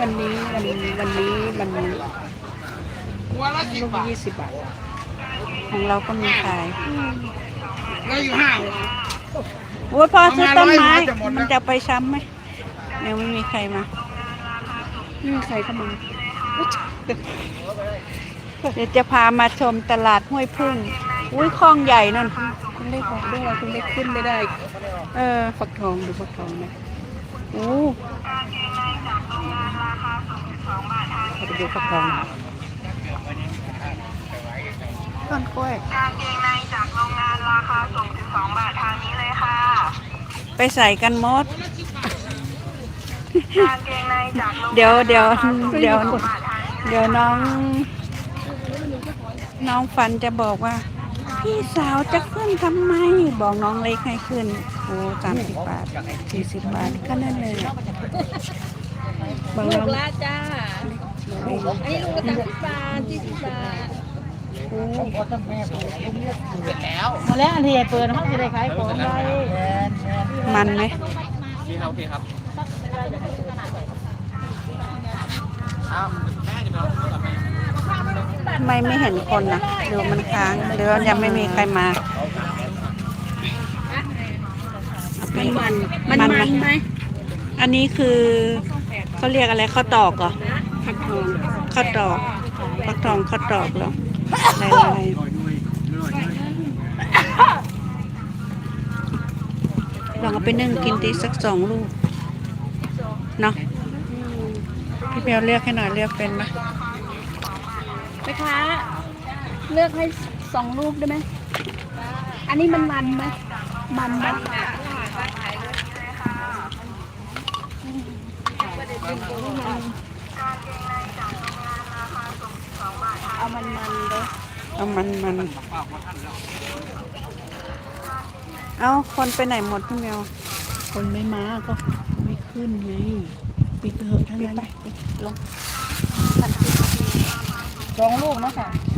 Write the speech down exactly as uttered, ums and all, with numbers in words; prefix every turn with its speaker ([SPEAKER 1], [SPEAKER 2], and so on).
[SPEAKER 1] วันนี้วันวันนี้มัน
[SPEAKER 2] หัวละสิบ
[SPEAKER 1] ลูก
[SPEAKER 2] บาท
[SPEAKER 1] ยี่สิบบาท
[SPEAKER 3] ของเราก็มีขาย
[SPEAKER 2] แล้วอยู่ห้าง
[SPEAKER 3] โอ้ยพ่อซื้อต้นไม้
[SPEAKER 2] ประมาณร้อยหัวจะหมดแล้ว
[SPEAKER 3] มันจะไปช้ำไหมยังไม่มีใครมา
[SPEAKER 1] ไม่มีใครเข้ามา
[SPEAKER 3] เดี๋ยวจะพามาชมตลาดห้วยพึ่งอุ้ยคลองใหญ่นั่น
[SPEAKER 1] คุณได้บอกด้วยคุณได้ขึ้นไม่ได้
[SPEAKER 3] เออ
[SPEAKER 1] ฟักทองดูฟักทองนะ
[SPEAKER 3] โอ้
[SPEAKER 1] เราไปดูฟักทอง
[SPEAKER 3] ต้นกล้วย
[SPEAKER 4] กางเกงในจากโรงงานราคาส่งสิบสองบาททางนี้เลยค่ะ
[SPEAKER 3] ไปใส่กันมด
[SPEAKER 4] กางเกงในจากโรงงาน
[SPEAKER 3] เดี๋ยวเดี๋ยว
[SPEAKER 4] ราคาส่ง
[SPEAKER 3] เดี๋ยว
[SPEAKER 4] สิบสองบาททางนี้เลย
[SPEAKER 3] เดี๋ยวน้อง น้องฟันจะบอกว่า พี่สาวจะขึ้นทำไม บอกน้องเล็กให้ขึ้น โอ้สามสิบบาทสี่สิบบาทก็นั่นเลยอะบาง
[SPEAKER 1] ลู
[SPEAKER 3] น้อก ง
[SPEAKER 1] ละจ้า อันนี้ลูกละสามสิบบาทสี่สิบบาท
[SPEAKER 5] มาแล้วอันที่เปิดมันจะได้ขายของได้
[SPEAKER 3] มันไหม
[SPEAKER 2] พี่ครับพี่ครับ
[SPEAKER 3] ทำไมไม่เห็นคนนะหรือมันค้างหรือว่ายังไม่มีใครมา
[SPEAKER 1] มันมันมัน
[SPEAKER 3] มัน
[SPEAKER 1] มันไหม
[SPEAKER 3] อันนี้คือเขาเรียกอะไรข้าวตอกเหรอ
[SPEAKER 1] ฟักทอง
[SPEAKER 3] ข้าวตอกฟักทองข้าวตอกเหรอลายลายลองเอาไปนึ่งกินตีสักสองลูกเนาะพี่เปียวเลือกให้หน่อยเลือกเป็นไหม
[SPEAKER 1] แม่ค้าเลือกให้สองลูกได้ไหม อันนี้มันมันไหมมันไหมเอามันมันเลย
[SPEAKER 3] เอามันมันเอาคนไปไหนหมดพี่เมียว
[SPEAKER 1] คนไม่มาก็ไม่ขึ้นไงปิดเถอะทั้งนั้น
[SPEAKER 3] ลง
[SPEAKER 5] สองลูกเนาะค่ะ
[SPEAKER 1] จ